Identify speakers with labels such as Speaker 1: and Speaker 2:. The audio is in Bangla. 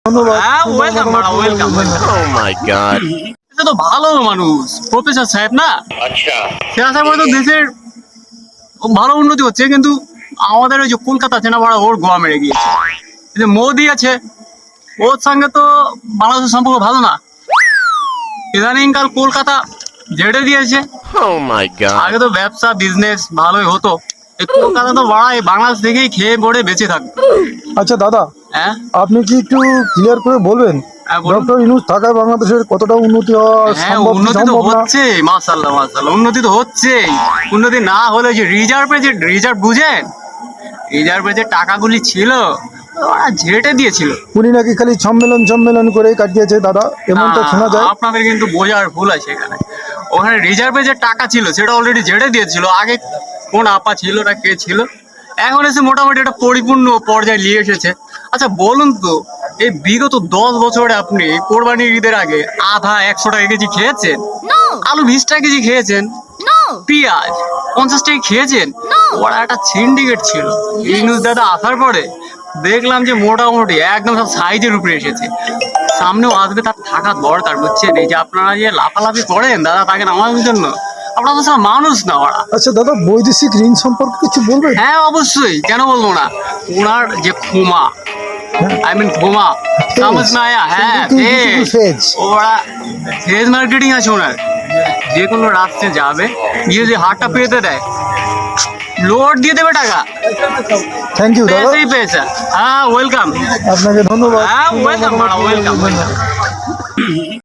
Speaker 1: ধন্যবাদ।
Speaker 2: Welcome welcome.
Speaker 3: Oh my god.
Speaker 2: এটা তো ভালো মানুষ, প্রফেসর সাহেব না?
Speaker 3: আচ্ছা।
Speaker 2: সে আসার পরে তো দেশের ভালো উন্নতি হচ্ছে, কিন্তু আমাদের ওই যে কলকাতা আছে না, বড় ওর গোয়া মেরে গিয়েছে। এই যে মোদি আছে, ওর সঙ্গে তো বাংলাদেশের সম্পর্ক ভালো না। ইদানিংকাল কলকাতা ঝেড়ে দিয়েছে।
Speaker 3: Oh my god.
Speaker 2: আগে তো ব্যবসা বিজনেস ভালোই হতো, এই কলকাতা তো বাড়াই বাংলাদেশ থেকেই খেয়ে পড়ে বেঁচে থাকবে।
Speaker 1: আচ্ছা দাদা,
Speaker 2: হ্যাঁ
Speaker 1: আপনি কি একটু ক্লিয়ার করে বলবেন
Speaker 2: হ্যাঁ, বলুন।
Speaker 1: ডক্টর ইউনূস থাকায় বাংলাদেশের কতটা উন্নতি হওয়া
Speaker 2: হ্যাঁ,
Speaker 1: সম্ভব কি
Speaker 2: উন্নতি তো
Speaker 1: সম্ভব না?
Speaker 2: হচ্ছে, মাশাআল্লাহ মাশাআল্লাহ, উন্নতি তো হচ্ছে। উন্নতি না হলে যে রিজার্ভ বুঝেন, রিজার্ভে যে টাকাগুলি ছিল ওরা ঝেঁটে দিয়েছিল।
Speaker 1: উনি নাকি খালি সম্মেলন করে কাটিয়েছে দাদা, এমনটা শোনা যায়।
Speaker 2: আপনাদের কিন্তু বোঝার ভুল আছে এখানে। ওখানে রিজার্ভে যে টাকা ছিল সেটা অলরেডি ঝেড়ে দিয়েছিল। আগে কোন আপা ছিল না কে ছিল, এখন এসে মোটামুটি একটা পরিপূর্ণ পর্যায়ে নিয়ে এসেছে। আচ্ছা বলুন তো, এই বিগত 10 বছরে আপনি কোরবানির ঈদের আগে আধা 100 টাকা কেজি খেয়েছেন?
Speaker 4: No!
Speaker 2: আলু 20 টাকা কেজি খেয়েছেন?
Speaker 4: No!
Speaker 2: পেঁয়াজ 50 টাকা খেয়েছেন?
Speaker 4: No!
Speaker 2: ওরা একটা সিন্ডিকেট ছিল। ইউনূস দাদা আসার পরে দেখলাম যে মোটামুটি একদম সব সাইজের উপরে এসেছে। সামনেও আসবে, তার থাকা দরকার, বুঝছেন? এই যে আপনারা যে লাফালাফি করেন দাদা তাকে নামানোর জন্য, আপনারা তো সব মানুষ না ওরা।
Speaker 1: আচ্ছা দাদা, বৈদেশিক ঋণ সম্পর্কে কিছু বলবেন?
Speaker 2: হ্যাঁ অবশ্যই, কেন বলবো না। ওনার যে ক্ষমা, ক্ষমা সমাজ না আয়া, হ্যাঁ
Speaker 1: ফেজ।
Speaker 2: ওরা ফেজ মার্কেটিং আছে ওনার। যে কোনো রাস্তায় যাবে, গিয়ে যে হাতটা পেতে দেয়, লোড দিয়ে দেবে টাকা,
Speaker 1: থ্যাংক ইউ দাদা,
Speaker 2: পেয়েছেই পেয়েছে। হ্যাঁ ওয়েলকাম।
Speaker 1: আপনাকে ধন্যবাদ।
Speaker 2: হ্যাঁ ওয়েলকাম ওয়েলকাম।